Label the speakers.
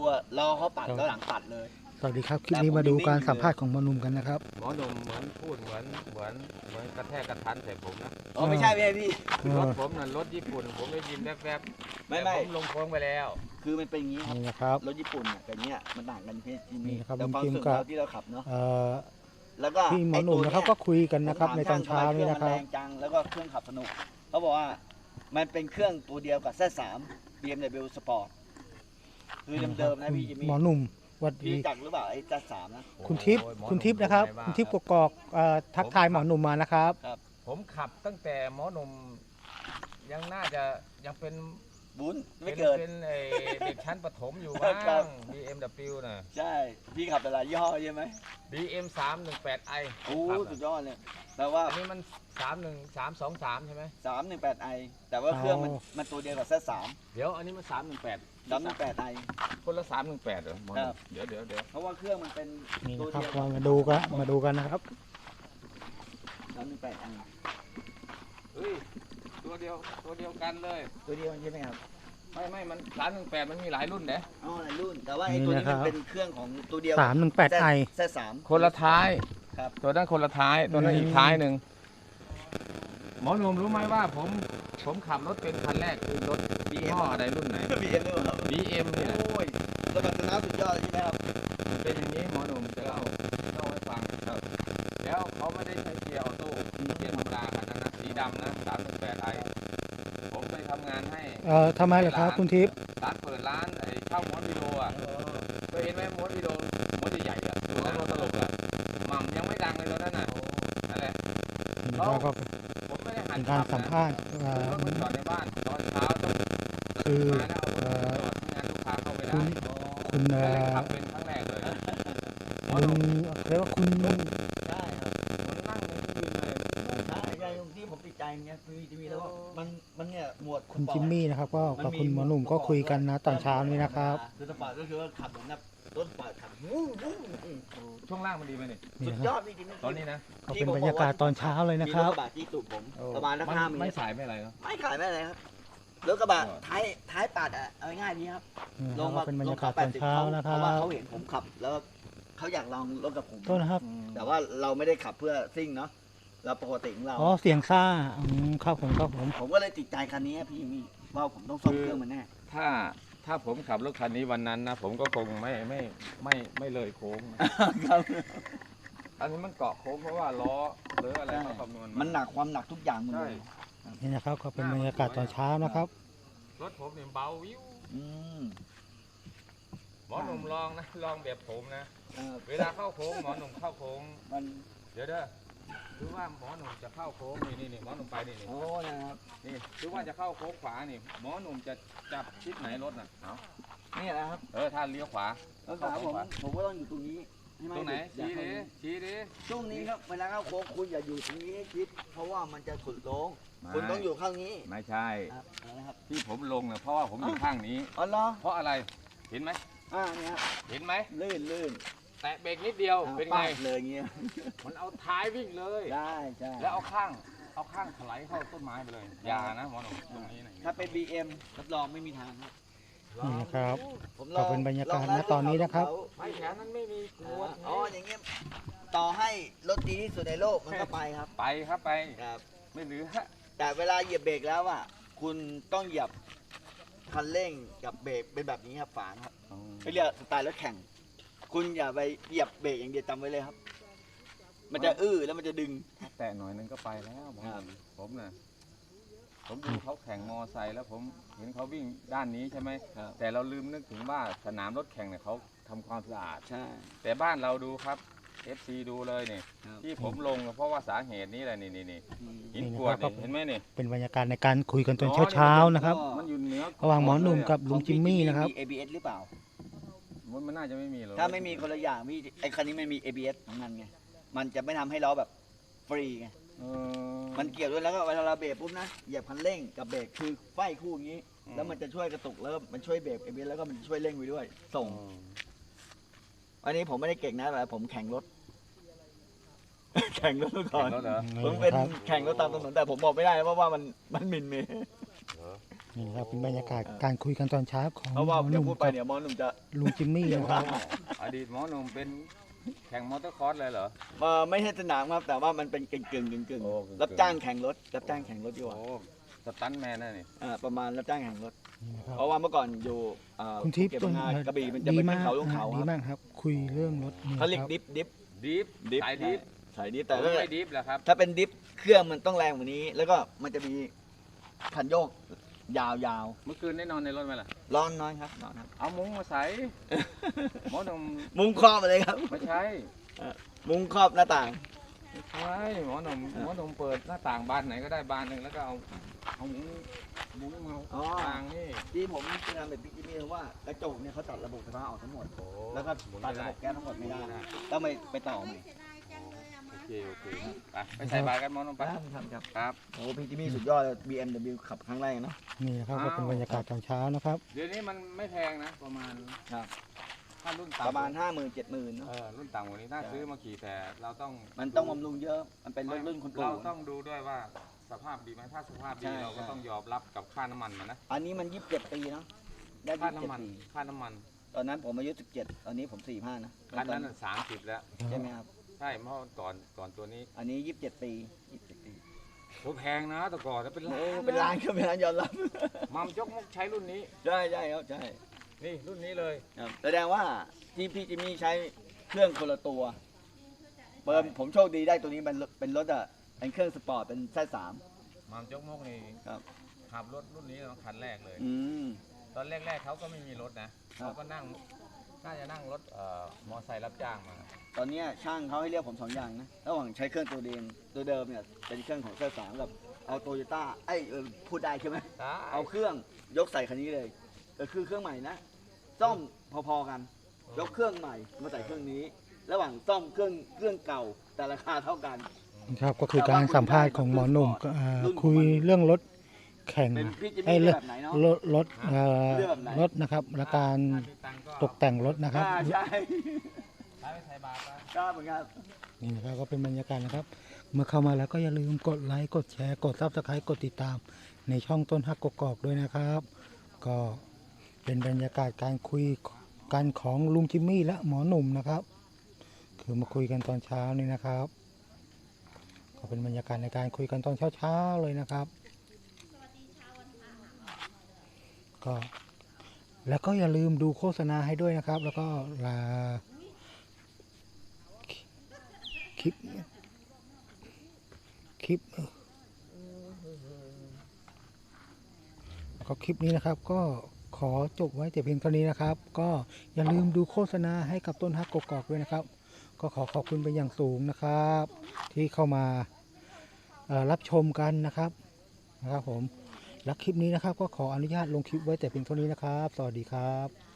Speaker 1: รอเขาปัดแล้วหลังปัดเลย
Speaker 2: สวัสดีครับคลิปนี้มาดูการสัมภาษณ์ของหมอหนุ่มกันนะครับ
Speaker 3: หมอหนุ่มเหมือนพูดเหมือนกระแทกกระทันใส่ผมนะ
Speaker 1: อ๋อไม่ใช่พี่
Speaker 3: รถผมน่ะรถญี่ปุ่นผมได้ยินแวบๆ
Speaker 1: ไม่
Speaker 3: แต่ผมลงโค้งไปแล้ว
Speaker 1: คือมันเป็นอย่างนี้ครับ
Speaker 2: นี่นะครับ
Speaker 1: รถญี่ปุ่นเนี่ยกับเนี้ยมันต่างกันที่
Speaker 2: นี่
Speaker 1: นี่
Speaker 2: นะครับ
Speaker 1: แต่ความ
Speaker 2: ลุงจิม
Speaker 1: รู้สึก
Speaker 2: กับ
Speaker 1: เราที่เราขับเนาะ แล้วก็
Speaker 2: พี่หมอหนุ่มนะครับก็คุยกันนะครับในตอนเช้านี้นะครับ
Speaker 1: แรงจังแล้วก็เครื่องขับสนุกเขาบอกว่ามันเป็นเครื่องตัวเดียวกับ Z3 BMW Sport คือเดิมๆนะพี่จิมมี่
Speaker 2: หมอหนุ่มสวัส
Speaker 1: พี่
Speaker 2: ดี
Speaker 1: จักหรือเปล่าไอ้ Z3 นะ
Speaker 2: คุณทิพย์
Speaker 3: โอ้ยหมอ
Speaker 2: คุณ
Speaker 3: ห
Speaker 2: ทิพย์นะครับ
Speaker 3: ว่า
Speaker 2: คุณทิพย์กกอกทักทายหมอหนุ่มมานะครับ
Speaker 3: ผมขับตั้งแต่หมอหนุ่มยังน่าจะยังเป็น
Speaker 1: บุญไม่เกิด
Speaker 3: เป็นเด็กชั้นประถมอยู่
Speaker 1: ครั
Speaker 3: บ้า
Speaker 1: บ
Speaker 3: ง BMW น่ะ
Speaker 1: ใช่พี่ขับแต่ละยี่ห้อใช่ไหม
Speaker 3: BM 318i
Speaker 1: โอ้
Speaker 3: ขับ
Speaker 1: สุด
Speaker 3: น่ะ
Speaker 1: ยอดเลยแต่ว่า
Speaker 3: อันนี้มัน31323ใช่ไหม
Speaker 1: 318i แต่ว่าเครื่องมันตัวเดียวกับ Z3
Speaker 3: เดี๋ยวอันนี้มัน318
Speaker 1: 318i
Speaker 3: คนละ318เหรอหมอห
Speaker 1: ครั
Speaker 3: นุ่
Speaker 1: บ
Speaker 3: มเดี๋ยว
Speaker 1: เพราะว่าเครื่องมันเป็น
Speaker 2: นี่
Speaker 1: ตัว
Speaker 2: นะครับ
Speaker 1: เดียว
Speaker 2: มาดูกันนะครับ
Speaker 1: 318i
Speaker 3: เฮ้ยตัวเดียวกันเลย
Speaker 1: ตัวเดียวใช่ไหมครับ
Speaker 3: ไม่มัน318มันมีหลายรุ่นเด้
Speaker 1: อ๋อหลายรุ่นแต่ว่าไอ้ตัวนี้มันเป็นเครื่องของตัวเดียว
Speaker 2: 318i
Speaker 1: Z3
Speaker 3: คนละท้าย
Speaker 1: ครับ
Speaker 3: ตัวนั้นคนละท้าย ตัวนั้นอีกท้ายหนึ่งหมอหนุ่มรู้ไหมว่าผมขับรถเป็นคันแรกคือรถยี่ห้ออะไรรุ่นไหน
Speaker 1: BM ด้วยครับ
Speaker 3: BM นี่แหละ
Speaker 1: โอ้ยสมรรถนะสุดยอดใช่ไหมครับ
Speaker 3: เป็นอย่างนี้หมอหนุ่มจะเล่าให้ฟังครับแล้วเขาไม่ได้ใช้เกียร์ออโต้เกียร์ธรรมดาคันนั้นนะสีดำนะ318i ผมไปทำงานให้
Speaker 2: ทำไมล่ะครับคุณทิพย์
Speaker 3: ร้านเปิดร้านไอ้เช่าม้วนวิดีโออ่ะเคยเห็นไหมม้วนวิดีโอม้วนใหญ่ๆอ่ะตัวนั้นตลกอ่ะหม่ำยังไม่ดังเลยตัวนั้นน่ะนั่นแหละ
Speaker 2: นี่นะครับก็
Speaker 3: ผมไม่ได้หั
Speaker 2: เป็น นการสัมภาษณ์
Speaker 3: รถมันจอดในบ้านตอนเช้าต้อง
Speaker 2: คือ
Speaker 3: มาแล้วเอารถจอดที่งานลูกค้าเข้าไม่ได้
Speaker 2: คุณ
Speaker 3: ก็เลยขับเป็นครั้งแรกเลยหมอห
Speaker 2: ลุ
Speaker 3: นุ่
Speaker 2: ง
Speaker 3: ม
Speaker 2: เรียกว่าคุณ
Speaker 1: ใช่ครับ
Speaker 3: มันนั่งมันยืนเลย
Speaker 1: ใช่ใช่ตรงที่ผมติดใจเนี่ยคือจะมีแล้วว่ามันเนี่ยหมวด
Speaker 2: คุณจิมมี่นะครับก็กับคุณหมอหนุ่มก็คุยกันนะตอนเช้านี้นะครับ
Speaker 1: คือสปอร์ตก็คือว่าขับเหมือนแบบรถสปอร์ตขับวู้วู้
Speaker 3: ช่วงล่างมันดีไหมนี่
Speaker 2: นี่
Speaker 1: สุด
Speaker 2: นะค
Speaker 1: ย
Speaker 2: รั
Speaker 1: อบ ดพี่จิมมี่
Speaker 3: ตอนนี้นะ
Speaker 2: ก็เป็นบรรยากาศตอนเช้าเลยนะครับ
Speaker 1: มีรถกระบะที่ตูดผมประมาณสัก5 เม
Speaker 3: ไม่
Speaker 1: ตร
Speaker 3: สายไม่อะไรเนาะ
Speaker 1: ไม่ขายไม่อะไรครับรถกระบะท้ายปัดอ่ะเอาง่ายๆดีครับ
Speaker 2: นี่
Speaker 1: ล
Speaker 2: นะ
Speaker 1: ง
Speaker 2: ครั
Speaker 1: มา
Speaker 2: บเป็นบรรยากาศตอนเช้านะค
Speaker 1: เพ
Speaker 2: รั
Speaker 1: ราะว่า
Speaker 2: บ
Speaker 1: เขาเห็นผมขับแล้วเขาอยากลองรถกับผม
Speaker 2: โทษนะครับ
Speaker 1: แต่ว่าเราไม่ได้ขับเพื่อซิ่งเนาะเราปกติของเรา
Speaker 2: อ๋อเสียงซ่าครับผม
Speaker 1: ผมก็เลยติดใจคันนี้พี่มี่ว่าผมต้องซ่อมเครื่องมันแน่
Speaker 3: ถ้าผมขับรถคันนี้วันนั้นนะผมก็คงไม่เลยโค้งนะ
Speaker 1: ครับ
Speaker 3: อันนี้มันเกาะโค้งเพราะว่าล้อหรืออะไรเขาคำนวณ
Speaker 1: มันหนักความหนักทุกอย่างหมด
Speaker 3: ใช่
Speaker 1: เลย
Speaker 2: นี่นะครับก็เป็นบรรยากาศตอนเช้านะครับ
Speaker 3: รถผมเนี่ยเบาวิว
Speaker 1: อืม
Speaker 3: หมอหนุ่มลองนะลองแบบผมนะ
Speaker 1: เออ
Speaker 3: เวลาเข้าโค้งหมอหนุ่มเข้าโค้ง
Speaker 1: มัน
Speaker 3: เดี๋ยวเด้อคือว่าหมอหนุ่มจะเข้าโค้งนี่หมอหนุ่มไปนี่
Speaker 1: โอ้นะครับ
Speaker 3: นี่คือว่าจะเข้าโค้งขวานี่หมอหนุ่มจะจับชิดไหนรถน่ะเอา
Speaker 1: นี่นะครับ
Speaker 3: ถ้าเลี้ยวขวา
Speaker 1: แล้วขาผมก็ต้องอยู่ตรงนี้ให้มั
Speaker 3: ตรงไหน
Speaker 1: อย่า
Speaker 3: ชี้
Speaker 1: เข้า
Speaker 3: ดิชี้ดิ
Speaker 1: ช่วงนี้ครับเวลาเข้าโค้งคุณอย่าอยู่ตรงนี้ให้ชิดเพราะว่ามันจะสุดโค้งคุณต้องอยู่ข้างนี้
Speaker 3: ไม่ใช่
Speaker 1: ครับนะครับ
Speaker 3: ที่ผมลงเนี่ยเพราะว่าผมอยู่ข้างนี้
Speaker 1: อ๋อเหรอ
Speaker 3: เพราะอะไรเห็นไหม
Speaker 1: เนี่ยครับ
Speaker 3: เห็นไหม
Speaker 1: ลื่น
Speaker 3: แตะเบรกนิดเดียวเป็นไง
Speaker 1: ปาดเลยเงี้ย
Speaker 3: มันเอาท้ายวิ่งเลย
Speaker 1: ได้ใช่
Speaker 3: แล้วเอาข้างถลายเข้าต้นไม้ไปเลยอย่านะหมอหนุ่มตรงนี้นะ
Speaker 1: ถ้าเป็น BM รับรองไม่มีทางครับ
Speaker 2: นี่นะครับ
Speaker 1: ผม
Speaker 2: ก็เป็นบรรยากาศณตอนนี้นะครับ
Speaker 3: ไม่แถวนั้นไม่มีกรวด
Speaker 1: อ๋ออย่างเงี้ยต่อให้รถดีที่สุดในโลกมันก็ไปครับ
Speaker 3: ไปครับไป
Speaker 1: ครับ
Speaker 3: ไม่เหลือ
Speaker 1: แต่เวลาเหยียบเบรกแล้วอ่ะคุณต้องเหยียบคันเร่งกับเบรกเป็นแบบนี้ครับฝางครับไม่เรียกสไตล์รถแข่ง คุณอย่าไปเหยียบเบรกอย่างเดียวจำไว้เลยครับ มันจะแล้วมันจะดึง
Speaker 3: แต่หน่อยนึงก็ไปแล้วหมอหนุ่มผมน่ะผมดูเขาแข่งมอไซค์แล้วผมเห็นเขาวิ่งด้านนี้ใช่ไหม
Speaker 1: ครับ
Speaker 3: แต่เราลืมนึกถึงว่าสนามรถแข่งเนี่ยเขาทำความสะอาด
Speaker 1: ใช่
Speaker 3: แต่บ้านเราดูครับ FC ดูเลยนี่
Speaker 1: ครับ
Speaker 3: ที่ผมลงเพราะว่าสาเหตุนี้แหละนี่
Speaker 1: อืม
Speaker 3: หินกรวดนี่เห็นไหมนี่
Speaker 2: เป็นบรรยากาศในการคุยกันตอนเช้าๆนะครับ
Speaker 3: มันอยู่เหนือ
Speaker 2: ระหว่างหมอหนุ่มกับลุงจิมมี่นะครับ
Speaker 1: มี ABS หรือเปล่า
Speaker 3: มันน่าจะไม่มีหรอก
Speaker 1: ถ้าไม่มีคนละอย่างพี่ไอ้คันนี้มันมี ABS ของมันไง มันจะไม่ทำให้ล้อแบบฟรีไง
Speaker 3: เออ
Speaker 1: มันเกี่ยวด้วยแล้วก็เวลาเราเบรกปุ๊บนะเหยียบคันเร่งกับเบรกคือไฟคู่อย่างนี้
Speaker 3: อืม
Speaker 1: แล้วมันจะช่วยกระตุกแล้วมันช่วยเบรก ABS แล้วก็มันช่วยเร่งไปด้วย ส่ง อันนี้ผมไม่ได้เก่งนะแต่ผมแข่งรถ แข่งรถมาก่อน
Speaker 3: เห็นแล้วเหรอ
Speaker 1: ผมเป็น
Speaker 2: ครับ
Speaker 1: แข่งรถตามถนนแต่ผมบอกไม่ได้เพราะว่ามันหมิ่นเมย์
Speaker 3: เหรอ
Speaker 2: นี่ครับเป็นบรรยากาศการคุยกันตอนเช้าของ
Speaker 1: เพราะว่า
Speaker 2: หมอห
Speaker 1: เดี๋ยว
Speaker 2: นุ่ม
Speaker 1: พูดไป
Speaker 2: กับ
Speaker 1: เดี๋ยวหมอหนุ่มจะ
Speaker 2: ลุงจิมมี่นะครับ
Speaker 3: อดีตหมอหนุ่มเป็นแข่งมอเตอร์คอร์สเลยเหรอ
Speaker 1: ไม่ใช่สนามครับแต่ว่ามันเป็นกึ่ง
Speaker 3: โอ้กึ่งๆ
Speaker 1: รับจ้างแข่งรถรับจ้างแข่งรถดีกว่า
Speaker 3: โอ้สตันท์แมนนะนี่
Speaker 1: ประมาณรับจ้างแข่งรถ
Speaker 2: นี่นะครับ
Speaker 1: เพราะว่าเมื่อก่อนอยู่
Speaker 2: คุณทิพย์
Speaker 1: ภูเก็ต
Speaker 2: ต้น
Speaker 1: พังงากระบี่มันจะ
Speaker 2: ดี
Speaker 1: เป็น
Speaker 2: มาก
Speaker 1: เขาลงเขา
Speaker 2: ดี
Speaker 1: ครับ
Speaker 2: มากครับ คุยเรื่องรถนี่
Speaker 1: เขาเรียก
Speaker 2: ครับ
Speaker 1: ดิฟ
Speaker 3: ดิฟสายดิฟ
Speaker 1: สายดิฟ
Speaker 3: แต่
Speaker 1: แต่ถ้า
Speaker 3: ไม่ดิฟแหละครับ
Speaker 1: ถ้าเป็นดิฟเครื่องมันต้องแรงกว่านี้ แล้วก็มันจะมีคันโยกยาว
Speaker 3: เมื่อคืนได้นอนในรถไหมล่ะ
Speaker 1: ๆร้อนน้อยครับร้อนครับ
Speaker 3: เอามุ้งมาใส่ หมอหนุ่ม
Speaker 1: มุ้งครอบมาเลยครับ
Speaker 3: ไม่ใช่
Speaker 1: มุ้งครอบหน้าต่าง
Speaker 3: ไม่ใช่หมอหนุ่มเปิดหน้าต่างบานไหนก็ได้บานหนึ่งแล้วก็เอามุ้งมา
Speaker 1: อ๋อ
Speaker 3: ต่างนี่
Speaker 1: ที่ผมจะทำแบบพี่จิมมี่เพราะว่ากระจกเนี่ยเขาตัดระบบไฟฟ้าออกทั้งหมด
Speaker 3: โอ้
Speaker 1: แล้วก็ตัดระบบแก๊สทั้งหมดไม่ได้ต้องไปต่อใหม่
Speaker 3: โอเคไปใส่บาตรกันหมอหนุ่มไป
Speaker 1: ครับ
Speaker 3: ครับ
Speaker 1: โอ้พี่จิมมี่สุดยอดเลย BMW ขับครั้งแรกเนาะ
Speaker 2: นี่นะครับก็เป็นบรรยากาศตอนเช้านะครับ
Speaker 3: เดี๋ยวนี้มันไม่แพงนะ ประมาณ
Speaker 1: ครับ
Speaker 3: ถ้ารุ่นต่ำ
Speaker 1: ประมาณ 50,000 70,000เนาะ
Speaker 3: รุ่นต่ำกว่านี้น่าซื้อมาขี่แต่เราต้อง
Speaker 1: มันต้องบำรุงเยอะ มันเป็นรุ่นคุณปู่
Speaker 3: เราต้องดูด้วยว่าสภาพดีไหมถ้าสภาพ
Speaker 1: ใช่
Speaker 3: ดีเราก็
Speaker 1: ใช่
Speaker 3: ต้องยอมรับกับค่าน้ำมันมันนะ
Speaker 1: อันนี้มัน27 ปีเนาะได้
Speaker 3: ค่าน้ำมัน
Speaker 1: 27 ปี
Speaker 3: ค่าน้ำมัน
Speaker 1: ตอนนั้นผมอายุ17ตอนนี้ผม45นะ
Speaker 3: คันนั้นน่ะ30แล้ว
Speaker 1: ใช่ไหมครับ
Speaker 3: ใช่เพราะก่อนตัวนี้
Speaker 1: อันนี้27 ปี27 ปี
Speaker 3: โหแพงนะแต่ก่อนแล้วเป็นล้า
Speaker 1: โอ้
Speaker 3: น
Speaker 1: เป็นล้านก็เป็นล้านยอมรับ
Speaker 3: มัมจกมกใช้รุ่นนี้
Speaker 1: ใช่ครับใช่
Speaker 3: นี่รุ่นนี้เลย
Speaker 1: ครับแสดงว่าที่พี่จิมมี่ใช้เครื่องคนละตัวผมโชคดีได้ตัวนี้เป็นรถอ่ะเป็นเครื่องสปอร์ตเป็นZ3
Speaker 3: มัมจกมกนี่
Speaker 1: ครับ
Speaker 3: ขับรถรุ่นนี้เนาะคันแรกเลย
Speaker 1: อืม
Speaker 3: ตอนแรกๆเขาก็ไม่มีรถนะครับ เขาก็น่าจะนั่งรถมอไซค์รับจ้างมา
Speaker 1: ตอนเนี้ยช่างเขาให้เรียกผม2อย่างนะระหว่างใช้เครื่องตัวเดิมเนี่ยเป็นเครื่องของZ3กับเอาโตโยต้าพูดได้ใช่ไหมเอาเครื่องยกใส่คันนี้เลยก็คือเครื่องใหม่นะซ่อมพอๆกัน ยกเครื่องใหม่มาใส่เครื่องนี้ ระหว่างซ่อมเครื่องเก่าแต่ราคาเท่ากัน
Speaker 2: ครับก็คือการสัมภาษณ์ของหมอหนุ่มก็คุยเรื่องรถแข่ง
Speaker 1: เป็นพี่จิม
Speaker 2: ไอ้
Speaker 1: มี่
Speaker 2: เรื่อง
Speaker 1: แบบไหนเนาะ
Speaker 2: รถนะครับและการตกแต่งรถนะครับ
Speaker 1: ใช่
Speaker 3: ไปใส่บาตรไป
Speaker 1: ก็เหมือนกัน
Speaker 2: นี่นะครับก็เป็นบรรยากาศนะครับ เมื่อเข้ามาแล้วก็อย่าลืมกดไลค์กดแชร์กดซับสไครต์กดติดตามในช่องต้นฮักกกอกด้วยนะครับ ก็เป็นบรรยากาศการคุยกันของลุงจิมมี่และหมอหนุ่มนะครับ คือมาคุยกันตอนเช้านี่นะครับ ก็เป็นบรรยากาศในการคุยกันตอนเช้าๆเลยนะครับก็แล้วก็อย่าลืมดูโฆษณาให้ด้วยนะครับ แล้วก็คลิปแล้วก็คลิปนี้นะครับ ก็ขอจบไว้แต่เพียงเท่านี้นะครับ ก็อย่าลืมดูโฆษณาให้กับต้นฮักกกอกด้วยนะครับ ก็ขอขอบคุณเป็นอย่างสูงนะครับ ที่เข้ามารับชมกันนะครับผมและคลิปนี้นะครับ ก็ขออนุญาตลงคลิปไว้แต่เพียงเท่านี้นะครับ สวัสดีครับ